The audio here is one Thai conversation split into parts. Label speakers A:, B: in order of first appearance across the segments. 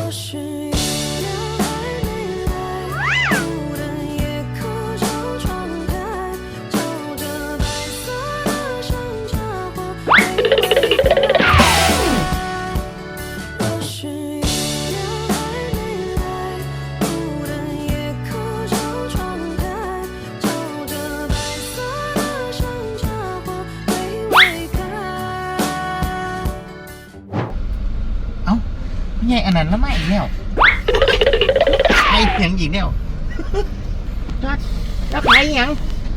A: ใหญ่อันนั้นแล้วไม่อีกแล้วไอ้ยังอีกแล้วแล้วขายยัง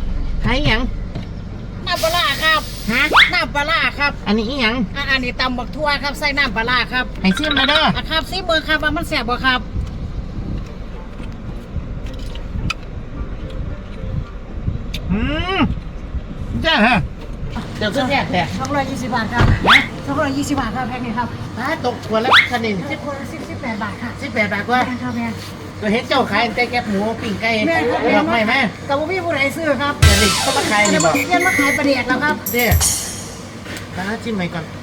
B: น้ำปลาร้าครับ
A: ฮะ
B: น้ำปลาร้าครับ
A: อันนี้อีหยัง
B: อันนี้ตำบักทั่วครับใส่น้ำปลาร้าครับ
A: ให้ซิมมาเด้อ
B: ครับซีเบอร์ครับว่ามันแสบบ่ครับ
A: จ้าฮะเดี๋ยวขึ้นแยกแหละ
B: 220 บาทครับ220 บาทครับแพ็คนี้ครับ
A: ตกขวดละคันหนึ่ง
B: 10 คน18 บาทค่ะ
A: 18 บาทกว่า
B: แม่ครับแม่
A: ก็เห็นเจ้าขายแต่แกบหมูปิ้งไก่ดอกไม้ไหม
B: แต่ว่าพี่ผู้ใดซื้อครับ
A: เดี๋ยวนี้เขามาขาย
B: เดี๋
A: นี่
B: ยว
A: บ
B: มา
A: อก
B: เรียนมาขายประเดียดแล้วครับ
A: เด้ตาจิ้มไปก่อน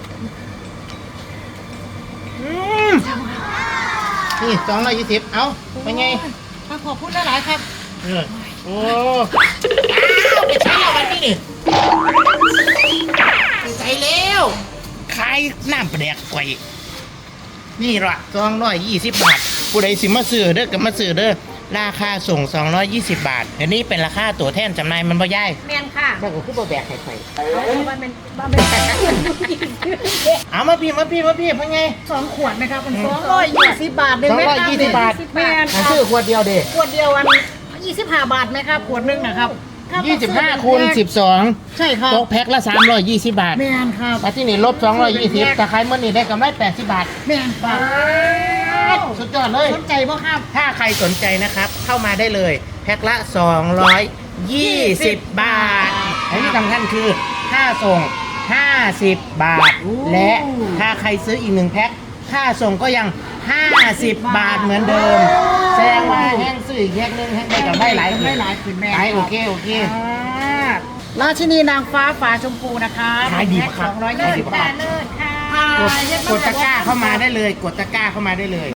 A: นี่220เอาเป็นไง
B: ขอบคุณหลายๆครับ
A: โอ้ไปใช้เราวันนี้นี่ใส่แล้วขายน้ำแปลกไกวนี่ละ220 บาทผู้ใดสิมาซื้อเด้อกับมาซื้อเด้อราคาส่ง220 บาทอันนี้เป็นราคาตัวแทนจำหน่ายมันบ่ย่าย
B: แม่นค่ะ
A: มันก็คือบ่แบกไข่ไข่
B: มันเป็น
A: เอามาพี่เพิ่งไง
B: 2 ขวดนะครับมัน220 บาทหนึ่งไหมครับ
A: 220 บาท
B: แม่น
A: มันซื้อขวดเดียวเด้
B: ขวดเดียว25 บาทไหมครับขวดหนึงนะครับ
A: 25คูณ12
B: ใช่ครับ
A: ตกแพ็คละ320 บาท
B: แม่นครับ
A: แต่ที่นี่ลบ220แต่ขายมื้อนี้ได้กำไร80 บาท
B: แม่นครับ
A: สุดยอดเลย
B: สนใจบ่ครับ
A: ถ้าใครสนใจนะครับเข้ามาได้เลย แพ็คละ 220 บาทและที่สำคัญคือค่าส่ง 50 บาท และถ้าใครซื้ออีก1แพ็คค่าส่งก็ยัง 50 บาทเหมือนเดิม แสดงว่าแห้งซื้ออีกแพ็คนึงแห้งได้กับได้หลาย
B: ได้หลายขึ้นแม่
A: หลายโอเค
B: ราชินีนางฟ้าฝาชมพูนะคะ
A: ขายดีมากครับ
B: 220 บาท
A: กดตะกร้าเข้ามาได้เลย กดตะกร้าเข้ามาได้เลย